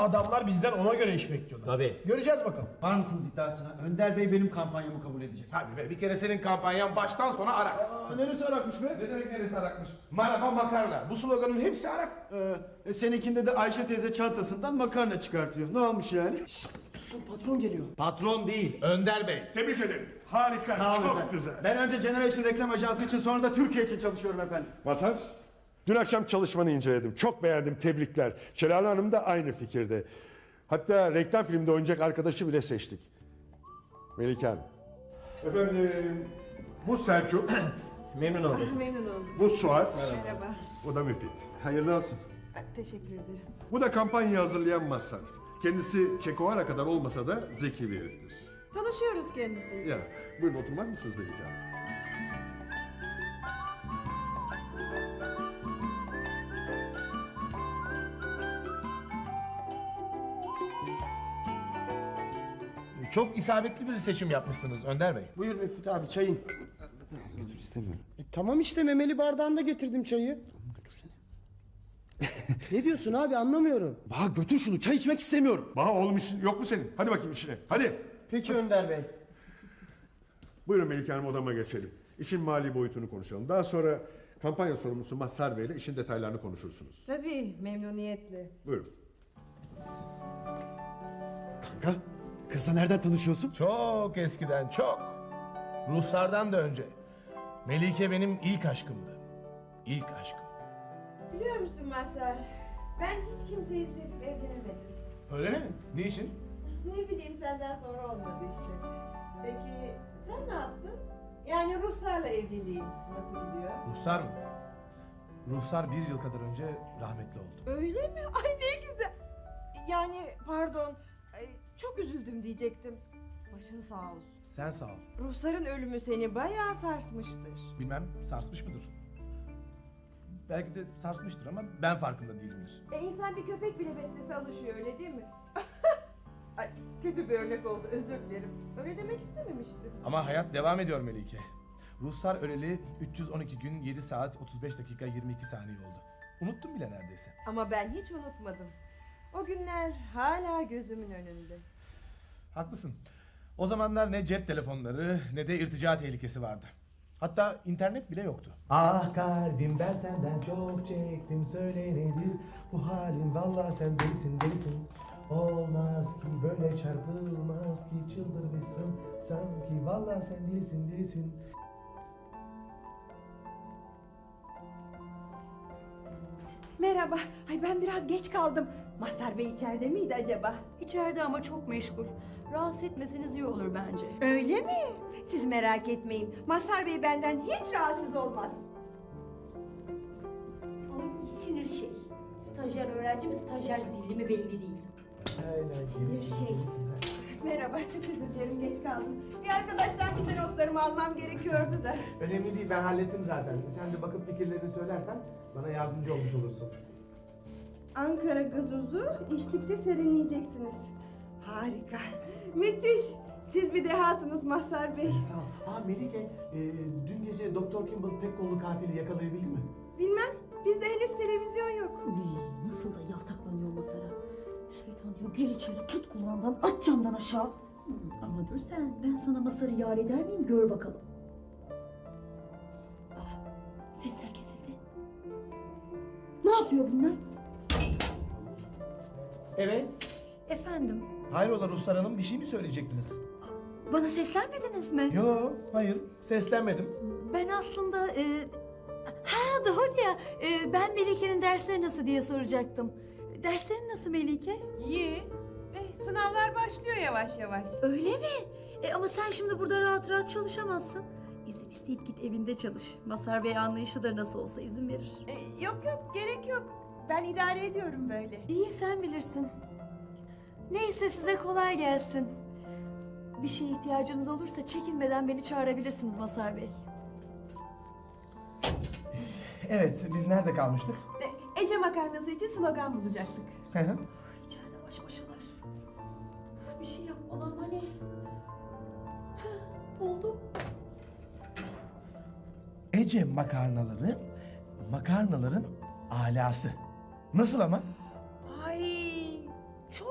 adamlar bizden ona göre iş bekliyorlar. Tabii. Göreceğiz bakalım. Var mısınız iddiasına? Önder Bey benim kampanyamı kabul edecek. Hadi be, bir kere senin kampanyan baştan sona Arak. Neresi arakmış be? Ne demek neresi Arakmış? Maraba makarna. Bu sloganın hepsi Arak. Seninkinde de Ayşe teyze çantasından makarna çıkartıyor. Ne olmuş yani? Susun, patron geliyor. Patron değil, Önder Bey. Tebrik ederim. Harika, Sağ olun çok efendim. güzel. Ben önce Generation Reklam Ajansı için, sonra da Türkiye için çalışıyorum efendim. Mazhar, dün akşam çalışmanı inceledim. Çok beğendim, tebrikler. Şelale Hanım da aynı fikirde. Hatta reklam filmde oynayacak arkadaşı bile seçtik. Melike Hanım. Efendim, bu Selçuk, Memnun oldum. Memnun oldum. bu Suat, Merhaba. bu da Müfit. Hayırlı olsun. Teşekkür ederim. Bu da kampanyayı hazırlayan Mazhar. Kendisi Çekovara kadar olmasa da zeki bir heriftir. Tanışıyoruz kendisiyle. Ya, buyurun oturmaz mısınız Melike Hanım? Çok isabetli bir seçim yapmışsınız Önder Bey. Buyur Müftü abi, çayın. Dur istemiyorum. Tamam işte, memeli bardağında getirdim çayı. Ne diyorsun abi, anlamıyorum. Baha götür şunu, çay içmek istemiyorum. Baha oğlum işin yok mu senin? Hadi bakayım işine, hadi. Peki Önder Bey. Buyurun Melike Hanım, odama geçelim. İşin mali boyutunu konuşalım. Daha sonra kampanya sorumlusu Mazhar Bey ile işin detaylarını konuşursunuz. Tabii, memnuniyetle. Buyurun. Kanka, kızla nereden tanışıyorsun? Çok eskiden, çok. Ruhsardan da önce. Melike benim ilk aşkımdı. İlk aşkım. Biliyor musun Mazhar? Ben hiç kimseyi sevip evlenemedim. Öyle mi? Niçin? Ne bileyim, senden sonra olmadı işte. Peki sen ne yaptın? Yani Ruslarla evliliğin nasıl gidiyor? Ruhsar mı? Ruhsar 1 yıl kadar önce rahmetli oldu. Öyle mi? Ay ne güzel. Yani pardon, çok üzüldüm diyecektim. Başın sağ olsun. Sen sağ ol. Ruhsarın ölümü seni bayağı sarsmıştır. Bilmem sarsmış mıdır? Belki de sarsmıştır ama ben farkında değilimdir. İnsan bir köpek bile beslese alışıyor, öyle değil mi? Ay, kötü bir örnek oldu, özür dilerim. Öyle demek istememiştim. Ama hayat devam ediyor Melike. Ruhsar öleli 312 gün 7 saat 35 dakika 22 saniye oldu. Unuttum bile neredeyse. Ama ben hiç unutmadım. O günler hala gözümün önünde. Haklısın. O zamanlar ne cep telefonları ne de irtica tehlikesi vardı. Hatta internet bile yoktu. Ah kalbim, ben senden çok çektim, söyle nedir bu halin, vallahi sen delisin delisin. Olmaz ki böyle, çarpılmaz ki, çıldırmışsın sanki, vallahi sen delisin delisin. Merhaba. Ay ben biraz geç kaldım. Mazhar Bey içeride miydi acaba? İçeride ama çok meşgul. Rahatsız etmeseniz iyi olur bence. Öyle mi? Siz merak etmeyin. Mazhar Bey benden hiç rahatsız olmaz. Ay sinir şey. Stajyer öğrenci mi, stajyer zilli mi belli değil. Sinir şey. Merhaba, çok özür dilerim, geç kaldım. Bir arkadaştan bize notlarımı almam gerekiyordu da. Önemli değil, ben hallettim zaten. Sen de bakıp fikirlerini söylersen bana yardımcı olmuş olursun. Ankara gazozu içtikçe serinleyeceksiniz. Harika. Müthiş. Siz bir dehasınız Mazhar Bey. Sağ ol. Melike, dün gece Doktor Kimball tek kollu katili yakalayabildin mi? Bilmem. Bizde henüz televizyon yok. Uy, nasıl da yaltaklanıyor masara. Şeytan diyor, gir içeri, tut kulağından, at camdan aşağı. Ama dur sen, ben sana Masar'ı yar eder miyim, gör bakalım. Sesler kesildi. Ne yapıyor bunlar? Evet. Efendim, Hayrola Ruslar Hanım, bir şey mi söyleyecektiniz? bana seslenmediniz mi? Yo, hayır. Seslenmedim. Ben aslında... Ha doğru ya, ben Melike'nin dersleri nasıl diye soracaktım. Derslerin nasıl Melike? İyi. Sınavlar başlıyor yavaş yavaş. Öyle mi? Ama sen şimdi burada rahat rahat çalışamazsın. İzin isteyip git evinde çalış. Mazhar Bey anlayışlıdır, nasıl olsa izin verir. Yok yok, gerek yok. Ben idare ediyorum böyle. İyi, sen bilirsin. Neyse, size kolay gelsin. Bir şeye ihtiyacınız olursa çekinmeden beni çağırabilirsiniz Mazhar Bey. Evet, biz nerede kalmıştık? Ece makarnası için slogan bulacaktık. İçeride baş başalar. Bir şey yapmalı ama ne? Oldu. Ece makarnaları, makarnaların alası. Nasıl ama? Ay,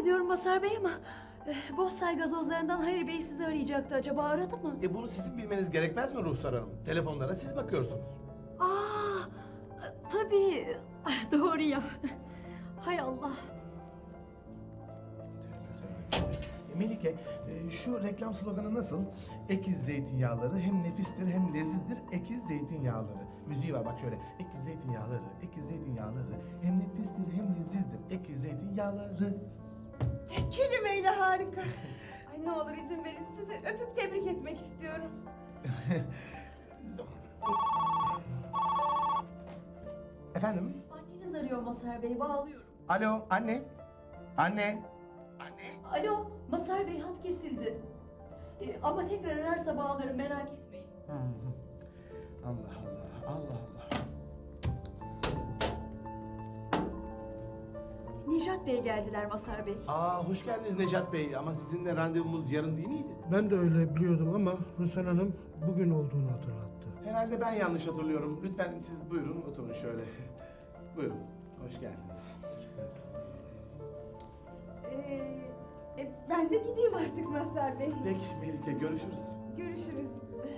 ediyorum Mazhar Bey ama Bozsay gazozlarından Halil Bey sizi arayacaktı. Acaba aradı mı? Bunu sizin bilmeniz gerekmez mi Ruhsar Hanım? Telefonlara siz bakıyorsunuz. Aa, tabii. Doğru ya. Hay Allah. Melike, şu reklam sloganı nasıl? Ekiz zeytinyağları hem nefistir hem lezizdir. Ekiz zeytinyağları. Müziği var bak şöyle. Ekiz zeytinyağları, ekiz zeytinyağları hem nefistir hem lezizdir. Ekiz zeytinyağları. Tek kelimeyle harika. Ay ne olur izin verin sizi öpüp tebrik etmek istiyorum. Efendim? Anneniz arıyor Mazhar Bey. Bağlıyorum. Alo, anne. Anne. Alo, Mazhar Bey hat kesildi. Ama tekrar ararsa bağlarım, merak etmeyin. Allah Allah, Allah Allah. Nejat Bey geldiler Mazhar Bey. Hoş geldiniz Necat Bey ama sizinle randevumuz yarın değil miydi? Ben de öyle biliyordum ama Rüsen Hanım bugün olduğunu hatırlattı. Herhalde ben yanlış hatırlıyorum. Lütfen siz buyurun oturun şöyle. Buyurun, hoş geldiniz. Ben de gideyim artık Mazhar Bey. Peki Melike, görüşürüz. Görüşürüz.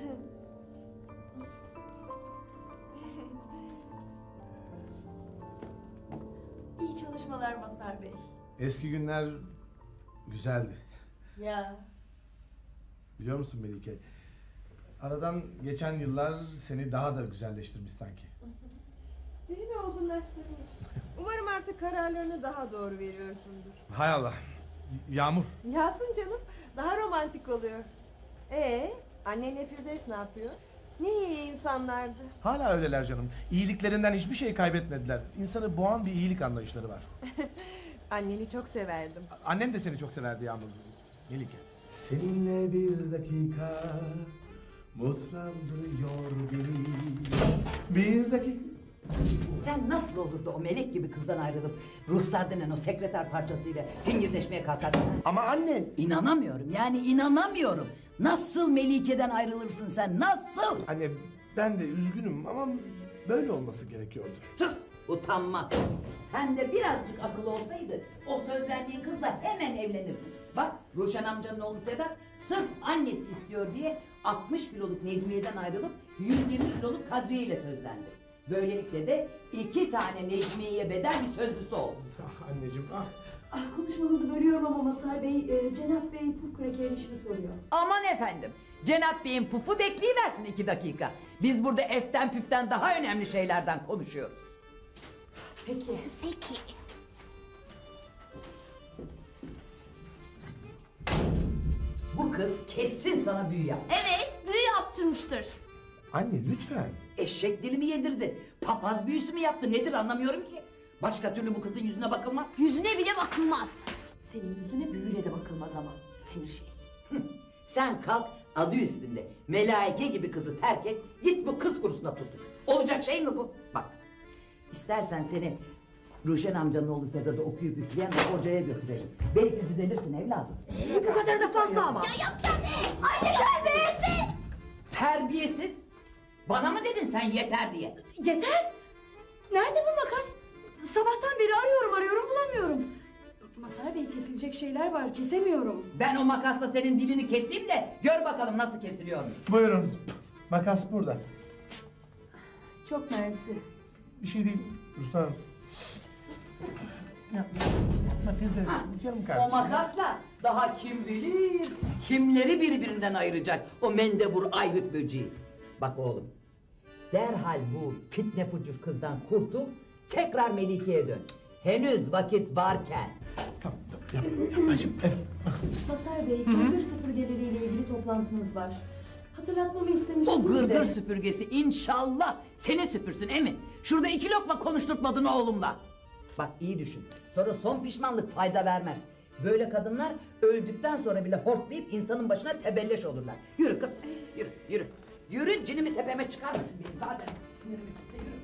İyi çalışmalar Mazhar Bey. Eski günler güzeldi. Ya. Biliyor musun Melike? Aradan geçen yıllar seni daha da güzelleştirmiş sanki. Seni de olgunlaştırmış. Umarım artık kararlarını daha doğru veriyorsundur. Hay Allah. Yağmur. Yağsın canım. Daha romantik oluyor. Annenle Firdevs ne yapıyor? Ne iyi insanlardı. Hala öyleler canım. İyiliklerinden hiçbir şey kaybetmediler. İnsanı boğan bir iyilik anlayışları var. Anneni çok severdim. Annem de seni çok severdi Yağmur. Melike. Seninle bir dakika mutlandırıyor beni. Bir dakika. Sen nasıl olur da o melek gibi kızdan ayrılıp Ruhsar denen o sekreter parçasıyla fingirdeşmeye kalkarsın? Ama anne. İnanamıyorum, yani inanamıyorum. Nasıl Melike'den ayrılırsın sen, nasıl? Anne ben de üzgünüm ama böyle olması gerekiyordu. Sus, utanmaz. Sen de birazcık akıl olsaydı o sözlendiğin kızla hemen evlenirdin. Bak Ruşen amcanın oğlu Sedat sırf annesi istiyor diye 60 kiloluk Necmiye'den ayrılıp 120 kiloluk Kadriye ile sözlendi. Böylelikle de 2 tane Necmiye'ye bedel bir sözlüsü oldu. Anneciğim Konuşmanızı bölüyorum ama Mazhar Bey, Cenap Bey puf krakerin işini soruyor. Aman efendim, Cenap Bey'in pufu bekleyiversin 2 dakika. Biz burada eften püften daha önemli şeylerden konuşuyoruz. Peki. Bu kız kesin sana büyü yaptı. Evet, büyü yaptırmıştır. Anne lütfen. Eşek dilimi yedirdi. Papaz büyüsü mü yaptı nedir anlamıyorum ki. Başka türlü bu kızın yüzüne bakılmaz. Yüzüne bile bakılmaz. Senin yüzüne büyüyle de bakılmaz ama. Sinir şey. Sen kalk adı üstünde melaike gibi kızı terk et. Git bu kız kurusuna tutur. Olacak şey mi bu? Bak istersen seni Ruşen amcanın oğlu Sedat'ı okuyup üfleyen bir hocaya götürelim. Belki düzelirsin evladım. Bu kadar da fazla ama. Ya yapacağım be! Anne terbiyesiz be! Terbiyesiz. Bana mı dedin sen yeter diye? Yeter. Nerede bu makas? Sabahtan beri arıyorum bulamıyorum. Mazhar Bey kesilecek şeyler var kesemiyorum. Ben o makasla senin dilini keseyim de gör bakalım nasıl kesiliyormuş. Buyurun. Makas burada. Çok mersi. Bir şey değil Ruslan Hanım. Yapma Firdevs. Canım O kardeşim. makasla daha kim bilir kimleri birbirinden ayıracak o mendebur ayrık böceği. Bak oğlum derhal bu fitne fucur kızdan kurtul tekrar Melike'ye dön. Henüz vakit varken. Tamam yapmacığım. Evet. Mazhar Bey, gırgır süpürgeleriyle ilgili toplantınız var. Hatırlatmamı istemiştiniz O gırgır de. süpürgesi inşallah seni süpürsün emin. Şurada 2 lokma konuşturtmadın oğlumla. Bak iyi düşün. Sonra son pişmanlık fayda vermez. Böyle kadınlar öldükten sonra bile hortlayıp insanın başına tebelleş olurlar. Yürü kız, yürü. Yürü cinimi tepeme çıkarma benim zaten sinirimi sıktı, yürü.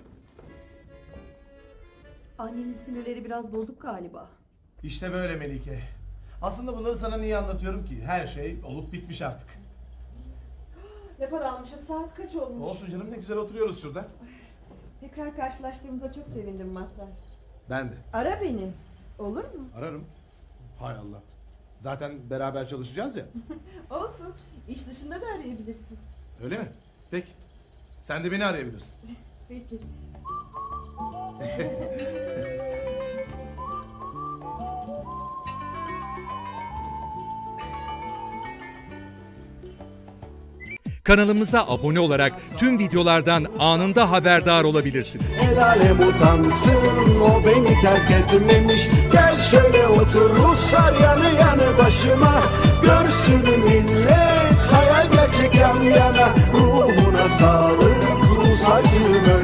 Annenin sinirleri biraz bozuk galiba. İşte böyle Melike. Aslında bunları sana niye anlatıyorum ki? Her şey olup bitmiş artık. Ne para almışız? Saat kaç olmuş? Olsun canım ne güzel oturuyoruz şurada. Tekrar karşılaştığımıza çok sevindim Mazhar. Ben de. Ara beni. Olur mu? Ararım. Hay Allah. Zaten beraber çalışacağız ya. Olsun. İş dışında da arayabilirsin. Öyle mi? Peki. Sen de beni arayabilirsin. Peki. Kanalımıza abone olarak tüm videolardan anında haberdar olabilirsiniz. El alem utansın, o beni terk etmemiş. Gel şöyle otur Ruslar yanı yanı başıma. Görsün millet hayal gerçek yan yana. Ruhuna sağlık Rus acım